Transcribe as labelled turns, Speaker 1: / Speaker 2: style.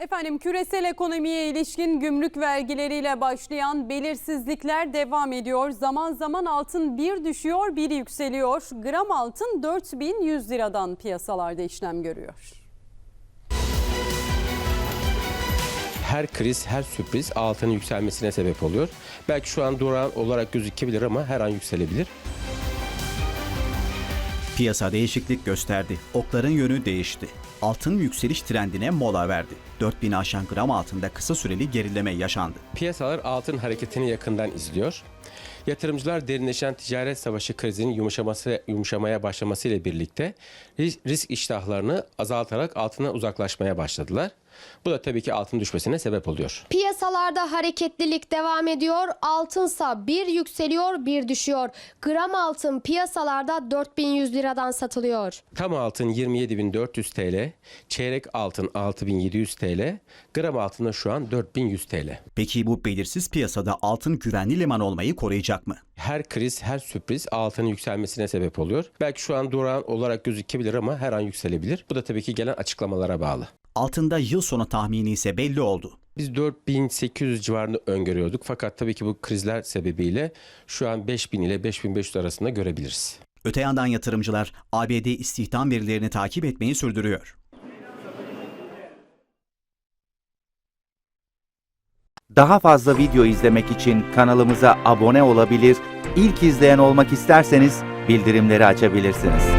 Speaker 1: Efendim, küresel ekonomiye ilişkin gümrük vergileriyle başlayan belirsizlikler devam ediyor. Zaman zaman altın bir düşüyor, bir yükseliyor. Gram altın 4100 liradan piyasalarda işlem görüyor.
Speaker 2: Her kriz, her sürpriz altının yükselmesine sebep oluyor. Belki şu an durağan olarak gözükebilir ama her an yükselebilir.
Speaker 3: Piyasa değişiklik gösterdi. Okların yönü değişti. Altın yükseliş trendine mola verdi. 4000'i aşan gram altında kısa süreli gerileme yaşandı.
Speaker 2: Piyasalar altın hareketini yakından izliyor. Yatırımcılar derinleşen ticaret savaşı krizinin yumuşamaya başlaması ile birlikte risk iştahlarını azaltarak altına uzaklaşmaya başladılar. Bu da tabii ki altın düşmesine sebep oluyor.
Speaker 4: Piyasalarda hareketlilik devam ediyor. Altınsa bir yükseliyor, bir düşüyor. Gram altın piyasalarda 4100 liradan satılıyor.
Speaker 2: Tam altın 27.400 TL, çeyrek altın 6.700 TL, gram altın da şu an 4.100 TL.
Speaker 3: Peki bu belirsiz piyasada altın güvenli liman olmayı koruyacak mı?
Speaker 2: Her kriz, her sürpriz altının yükselmesine sebep oluyor. Belki şu an durağan olarak gözükebilir ama her an yükselebilir. Bu da tabii ki gelen açıklamalara bağlı.
Speaker 3: Altında yıl sonu tahmini ise belli oldu.
Speaker 2: Biz 4800 civarında öngörüyorduk. Fakat tabii ki bu krizler sebebiyle şu an 5000 ile 5500 arasında görebiliriz.
Speaker 3: Öte yandan yatırımcılar ABD istihdam verilerini takip etmeyi sürdürüyor.
Speaker 5: Daha fazla video izlemek için kanalımıza abone olabilir, ilk izleyen olmak isterseniz bildirimleri açabilirsiniz.